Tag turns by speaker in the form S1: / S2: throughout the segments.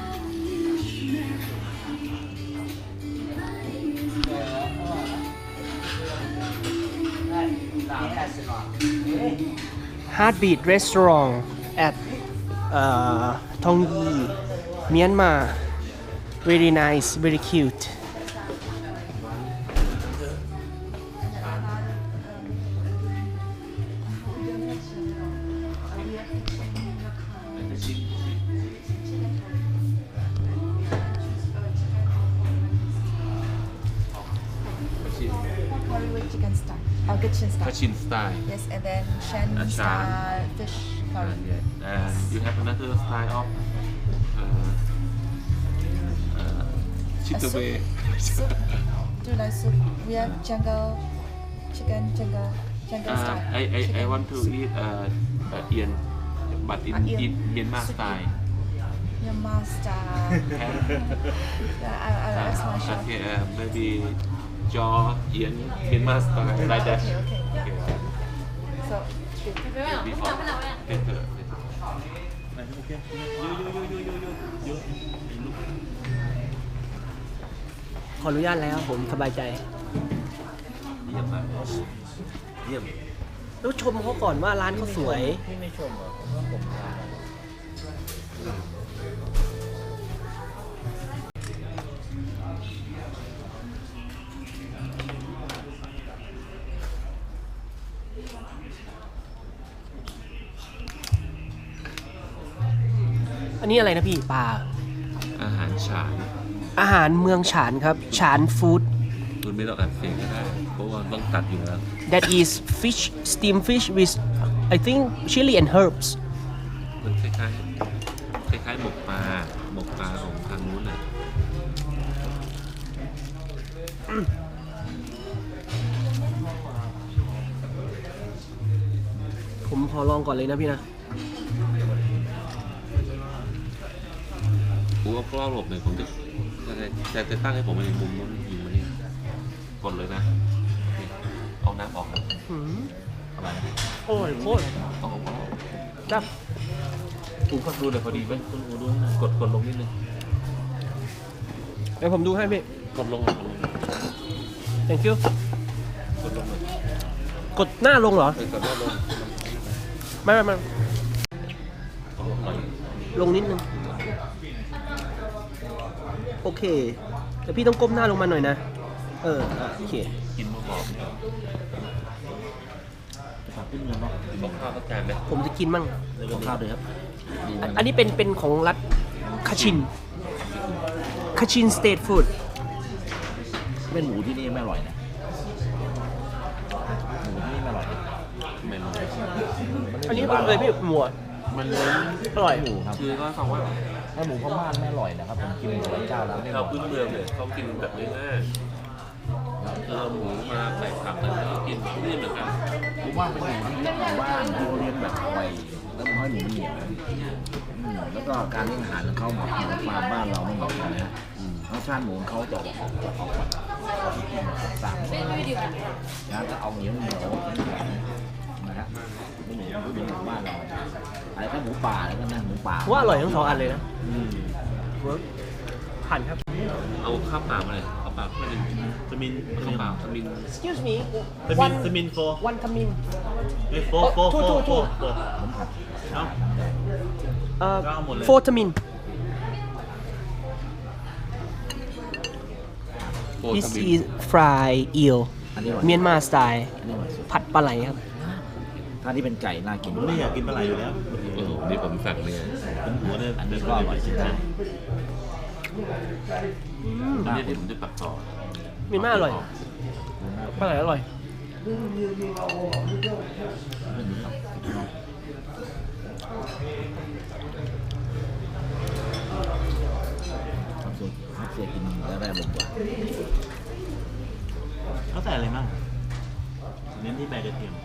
S1: Heartbeat Restaurant at Tong Yi, Myanmar. Very nice, very cute.
S2: Curry with chicken style. Kitchen style.
S3: Cochin style.
S2: Yes, and then Shan
S3: Shan.
S2: style fish curry.
S3: Yeah. And you have another style of chitaway.
S2: Soup. Do you like soup? We have jungle chicken, jungle style.
S3: I want to eat Ian, but in Myanmar style.
S2: Myanmar style. Yeah, I'll ask my chef.
S3: Okay, maybe jaw Ian Myanmar style like that.
S2: Okay. So,
S3: Before later.
S1: ขออนุญาตแล้วผมสบายใจ
S3: เยี่ยมมากเยี่ยม
S1: แล้วชมเขาก่อนว่าร้านเขาสวย
S4: พี่ไม่ชมเหรอว่าผมทาน
S1: อันนี้อะไรนะพี่ปลา
S3: อาหารฉาน
S1: อาหารเมืองฉานครับ ฉานฟู้ด
S3: คุณไม่ต้องอัดเสียงก็ได้ เพราะว่าต้องตัดอยู่แล้ว
S1: that is fish steamed fish with I think chili and herbs
S3: มันคล้ายๆหมกปลาของทางนู้นน่ะ
S1: ผมขอลองก่อนเลยนะพี่นะ
S3: กูเอากล้องหลบหน่อยผมจะตั้งให้ผมในมุมนู้นยิงมานี่กดเลยนะโอเคเอาน้ำออกนะ อะไรนะ
S1: โอ้ยโคตร
S3: เอาออก
S1: จับ
S3: กูก็ดูเลยพอดีไหมคุณกูดูให้หน่อยกดลงนิดนึง
S1: เดี๋ยวผมดูให้พี่
S3: กดลง
S1: thank you
S3: กดลงเลย
S1: กดหน้าลงเหรอ
S3: กดหน้าลง
S1: ไม่
S3: กดลงหน่อย
S1: ลงนิดนึง โอเค แต่พี่ต้องก้มหน้าลงมาหน่อยนะ โอเค
S3: กินมะกอก
S4: ฝากขึ้นเงินเนาะ
S3: บอกข้าวสักจานไหม
S1: ผมจะกินมั่ง
S4: ขอข้าวด้วยครับดีมาก
S1: อันนี้เป็นของรัฐคาชินสเตทฟู้ด
S4: เป็นหมูที่นี่ไม่อร่อยนะหมูที่นี่ไม่อร่อยนะ
S3: ไม่รู้
S1: อันนี้มันเลยพี่หมูอะ
S4: มันเน้น
S1: อร่อย
S4: หมูครับ
S3: คือก็ฟังว่า
S4: ถ้าหมูพม่าไม่อร่อยนะครับผมกินหมูหลายเจ้าแล้วไม่อ
S3: เรา
S4: ร่อย
S3: พื้นเมืองเนี่ยเขากินแบบง่ายๆเอาหมูมาใส่ผักแล้วก็กินนี่เหมือนกัน
S4: ผมว่าเป็นหมูที่หมู่บ้านที่เขาเลี้ยงแบบไวแล้วมันให้หมูมันเหนียวแล้วก็การเลี้ยงอาหารของเขาเหมือนฟาร์มบ้านเราไม่เหมือนกันนะรสชาติหมูของเขาจะออกแบบสามนะจะเอาเหนียวนะครับไม่เหมือนหมูบ้านเราอะไรก็หมูป่าแล้วก็นะหมูป่า
S1: ว่าอร่อยทั้งสองอันเลยนะเวิร์กผ่านครับ
S3: เอาข้าวเปล่ามาเลยข้าวเปล่าไม่ได้
S5: สมิน
S3: ข้าวเปล่าทมิน
S1: excuse me
S5: สมินโฟ
S1: one ขมิ้น
S5: เฮ้ยโฟ
S1: ถูก
S5: เอ้า ก็เอาหมดเลย
S1: four ขมิ้น
S3: โคตร
S1: this
S3: ทมิน
S1: is fried eel
S4: อันนี้อร่อย
S1: เมียนมาสไตล์
S4: อันนี้อร่อยสุด
S1: ผัดปลาไหลครับ
S4: ถ้าที่เป็นไก่น่ากิน
S5: ผมไม่อยากกินปลาไหลอยู่แล้ว
S3: โอ้โหนี่ผมสั่งเนี่ย
S5: เป็นหัวเนี่ย
S4: อันนี้ก็อร่อยจริงนะ
S3: อันนี้เดี๋ยวผมจะตัดต่อ
S1: เมียนมาอร่อยปลาไหลอร่อย
S4: ครับเสียกินได้แบบกว่า
S5: เขาใส่อะไรมั่งเน้นที่ใบกระเทียม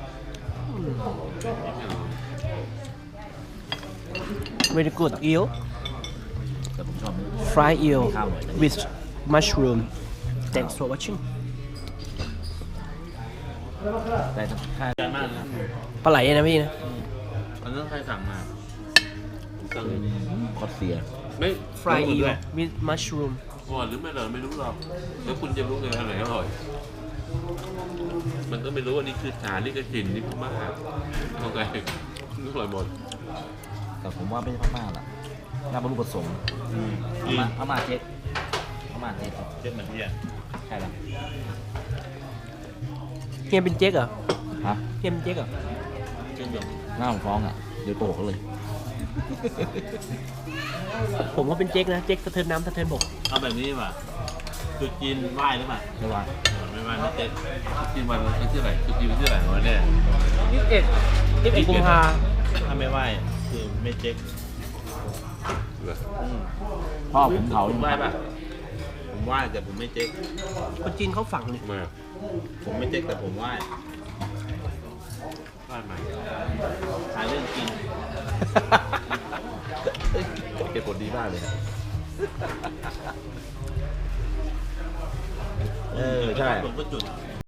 S1: very good eel
S4: แต่ผมชอบ
S1: fried eel
S4: ข้าวหน่อยนะ
S1: with mushroom thanks for watching
S4: แต่ถ้า
S5: ใจมากนะ
S1: ปลาไหลนะพี่นะ
S5: อันนั้นใครสั่งมาผมสั่ง
S4: คอสเซีย
S3: ไม่
S1: fry
S5: รู้
S1: eel
S5: ด้วย
S1: with mushroom
S3: อร่อยหรือไม่อร่อยไม่รู้หรอกแล้วคุณจะรู้เลยอันไหนอร่อย มันก็ไม่รู้ว่านี่คือฐานนี่คือถิ่นนี่พม่าเข้าใจอร่อยหมด
S4: แต่ผมว่าไม่ใช่พม่าล่ะน่าบรรลุผสมพม่าเจ๊กพม่าเจ๊ก
S5: เจ็ดเหมือนพี่อ่ะ
S4: ใช่แล้ว
S1: เฮียเป็นเจ๊กเหรอ
S4: ฮะ
S1: เฮียเป็นเจ๊กเหรอ
S5: เจ็ดหยก
S4: หน้าผมฟ้องอ่ะเดี๋ยวโตกเลย
S1: ผมก็เป็นเจ๊กนะ เจ๊กสะเทินน้ำสะเทินบก
S5: เอาแบบนี้ดีกว่าจุดจีนไหว้หรือเปล่า
S4: ไม่ว่า
S5: ไม่ไหว้ไม่เจ็ด
S3: กินวันที่ไหนกินวันที่ไหนวันแน่
S1: 21กุมภา
S5: ถ้าไม่ไหว้คือไม่เจ็ค
S3: เหรอ
S4: พ่อผมเขา
S5: ผมไหว้ป่ะผมไหว้แต่ผมไม่เจ็ค
S1: คนจีนเขาฝังนี่
S3: มา
S5: ผมไม่เจ็คแต่ผมไหว้
S3: บ้านใหม่
S5: หาเรื่องกิน
S3: เก็บผลดีมากเลย
S4: ใช่
S5: ผมก็จุด